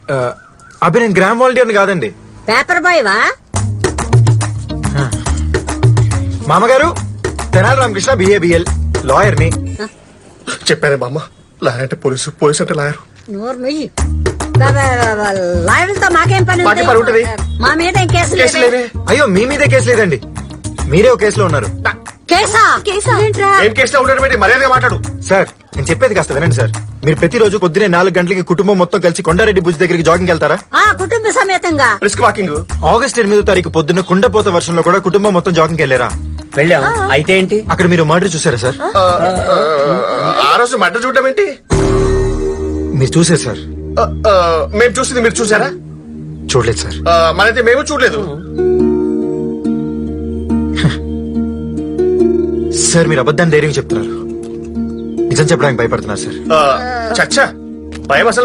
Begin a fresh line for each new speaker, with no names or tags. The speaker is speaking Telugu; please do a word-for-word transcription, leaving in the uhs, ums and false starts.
అభి నేను గ్రామ్ వాలంటీర్ని కాదండి.
పేపర్ బాయ్ వా?
మామగారు తెనాలి రామకృష్ణ బిఏబిఎల్ లాయర్ ని.
చెప్పారే బామ్మ, లాయర్ అంటే పోలీసు, పోలీసు అంటే లాయర్.
నోరు నుయ్యి. లాయర్లతో మాకేం పని
మాకేం పని ఉంటది?
మా మీద ఏం కేసు
కేసు లేవే.
అయ్యో మీ మీదే కేసు లేదండి, మీరే ఒక కేసులో ఉన్నారు.
కేసా? కేసా ఏంట్రా?
ఏం కేసులో ఉండడం ఏంటి? మర్యాదగా మాట్లాడు.
సార్ నేను చెప్పేది కాస్త వినండి సార్. మీరు ప్రతిరోజు పొద్దునే నాలుగు గంటలకి కుటుంబం మొత్తం కలిసి కొండారెడ్డి భుజ్ దగ్గరికి జాగింగ్ వెళ్తారా?
ఆ కుటుంబ సమేతంగా.
Risk walking.
ఆగస్ట్ ఎనిమిదో తారీఖు పొద్దున్న కుండపోత వర్షంలో కూడా కుటుంబం మొత్తం జాగింగ్ వెళ్ళారా?
వెళ్ళాం. అయితే ఏంటి?
అక్కడ మీరు మర్డర్ చూసారా సార్?
ఆ, ఆ రోజు మర్డర్ చూడడం ఏంటి?
మీరు చూసారు సార్?
ఆ, ఆ, మేము చూసింది మీరు చూసారా?
చూడలేదు సార్.
ఆ, మనైతే మేము చూడలేదు.
సార్ మీరు అబద్ధాన్ని ధైర్యం చెప్తున్నారు, నిజం చెప్పడానికి భయపడుతున్నారు సార్.
ఆ, చచ్చా భయం అసలు